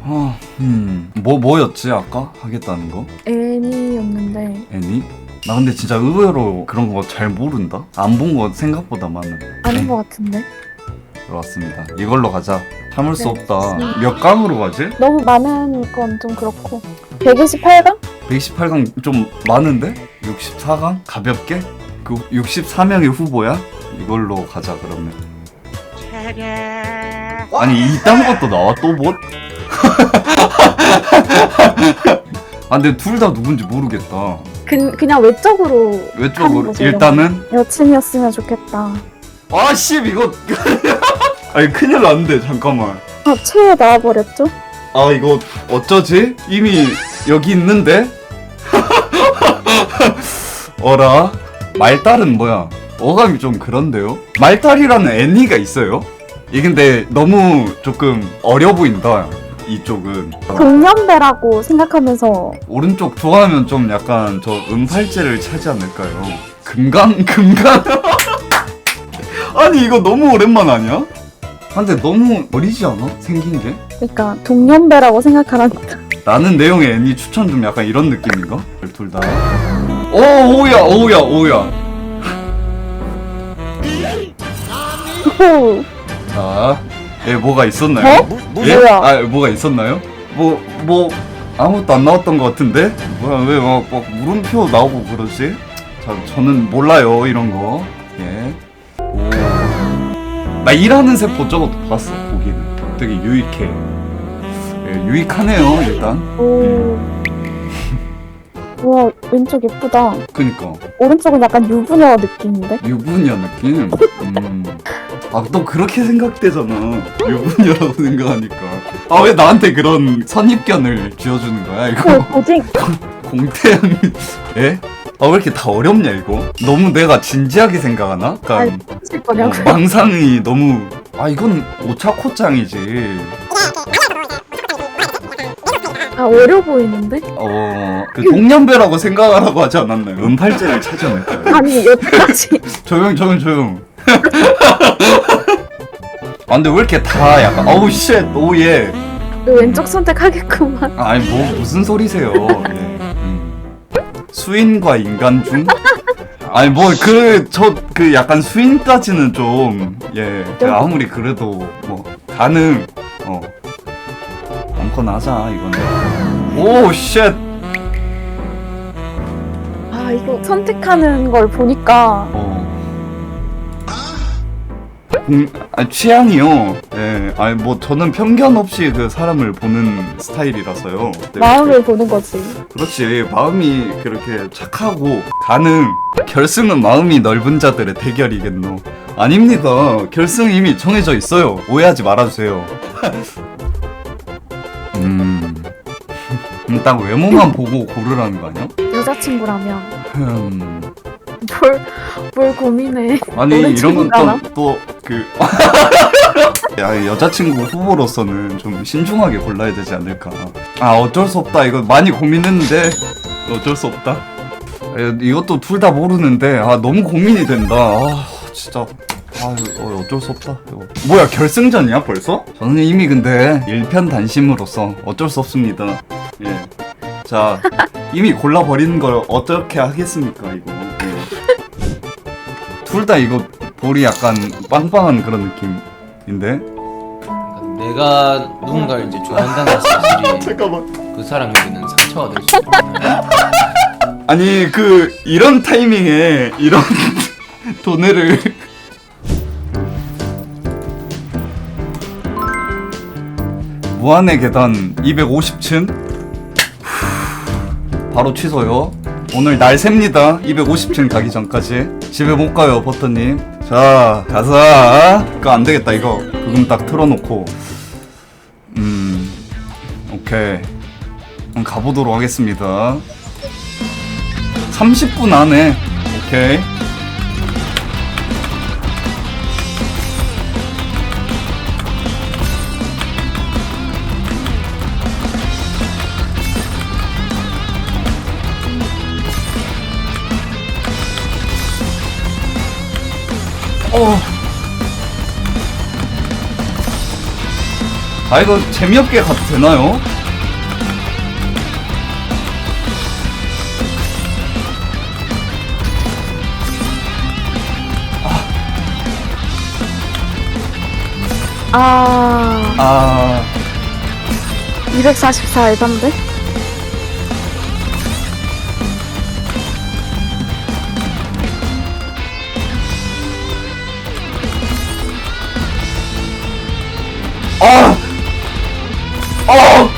뭐였지 아까 하겠다는 거? 애니였는데 애니? 나 근데 진짜 의외로 그런 거 잘 모른다. 안 본 거 생각보다 많은. 아닌 것 같은데. 들어왔습니다. 이걸로 가자. 참을 수 네. 없다. 몇 강으로 가지? 너무 많은 건 좀 그렇고 128강? 128강 좀 많은데? 64강? 가볍게? 그 64명의 후보야? 이걸로 가자 그러면. 아니 이딴 것도 나와 또 뭐? 아 근데 둘 다 누군지 모르겠다. 그냥 외적으로 하는 외적으로 거죠, 일단은 여친이었으면 좋겠다. 아씨 이거 아니 큰일 났는데 잠깐만. 아, 최애 나와버렸죠? 아 이거 어쩌지? 이미 여기 있는데? 어라? 말달은 뭐야? 어감이 좀 그런데요? 말달이라는 애니가 있어요? 이게 근데 너무 조금 어려 보인다 이쪽은. 동년배라고 생각하면서 오른쪽 좋아하면 좀 약간 저 음팔제를 차지 않을까요? 금강? 아니 이거 너무 오랜만 아니야? 근데 너무 어리지 않아? 생긴 게? 그러니까 동년배라고 생각하라니까. 나는 내용의 애니 추천 좀 약간 이런 느낌인가? 둘 다. 오우야. 오, 자, 뭐가 있었나요? 어? 예? 뭐야? 아, 뭐가 있었나요? 뭐 아무것도 안 나왔던 것 같은데? 뭐야, 왜 막 물음표 나오고 그러지? 자, 저는 몰라요, 이런 거. 예. 오. 나 일하는 세포 저것도 봤어, 보기는. 되게 유익해. 예, 유익하네요, 일단. 오. 와, 왼쪽 예쁘다. 그니까. 오른쪽은 약간 유부녀 느낌인데? 유부녀 느낌? 아, 또 그렇게 생각되잖아. 유부녀라고 생각하니까. 아, 왜 나한테 그런 선입견을 쥐어주는 거야, 그 이거? 고딩. 공태양, 예? 아, 왜 이렇게 다 어렵냐, 이거? 너무 내가 진지하게 생각하나? 아니, 약간, 하실 거냐고. 망상이 너무. 아, 이건 오차코짱이지. 아, 어려 보이는데? 그 동년배라고 생각하라고 하지 않았나요? 음팔제를 차지 않을까요? 아니, 여태까지. 조용. 아, 근데 왜 이렇게 다 약간, 어우, 쉣, 오예. 왼쪽 선택하겠구만. 아니, 무슨 소리세요. 예. 수인과 인간 중? 아니, 약간 수인까지는 좀, 예. 아무리 그래도, 가능, 아무거나 하자, 이거는. 오, 쉣. 아, 이거 선택하는 걸 보니까 취향이요. 예, 아니 저는 편견 없이 그 사람을 보는 스타일이라서요. 네, 마음을 보는 거지. 그렇지. 마음이 그렇게 착하고 가능. 결승은 마음이 넓은 자들의 대결이겠노. 아닙니다. 결승 이미 정해져 있어요. 오해하지 말아주세요. 딱 외모만 보고 고르라는 거 아니야? 여자친구라면 흠. 뭘 고민해. 아니 이런 친구인가나? 건 또 야, 여자친구 후보로서는 좀 신중하게 골라야 되지 않을까. 아 어쩔 수 없다. 이거 많이 고민했는데 어쩔 수 없다. 이것도 둘 다 모르는데 너무 고민이 된다. 진짜 어쩔 수 없다. 이거. 뭐야 결승전이야 벌써? 저는 이미 근데 일편단심으로서 어쩔 수 없습니다. 예. 자 이미 골라버리는 걸 어떻게 하겠습니까 이거. 둘 다 이거 볼이 약간 빵빵한 그런 느낌인데? 내가 누군가를 이제 좋아한다는 사실이 잠깐만. 그 사람에게는 상처가 될 수 있거든. 아니 이런 타이밍에 이런 도네를 무한의 계단 250층 바로 취소요. 오늘 날 셉니다. 250층 가기 전까지 집에 못 가요 버터님. 자 가자. 그거 안 되겠다. 이거 그금 딱 틀어놓고 오케이 그럼 가보도록 하겠습니다. 30분 안에. 오케이. 아 이거 재미없게 가도 되나요? 아 244 에반데? 아! 아!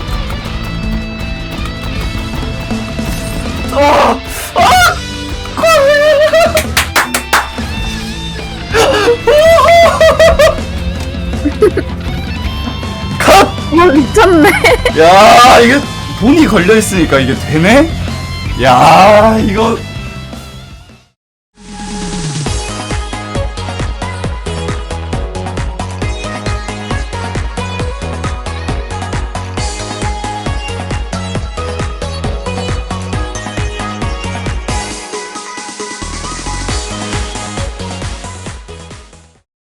아! 컷! 미쳤네. 야, 이게 돈이 걸려 있으니까 이게 되네? 야, 이거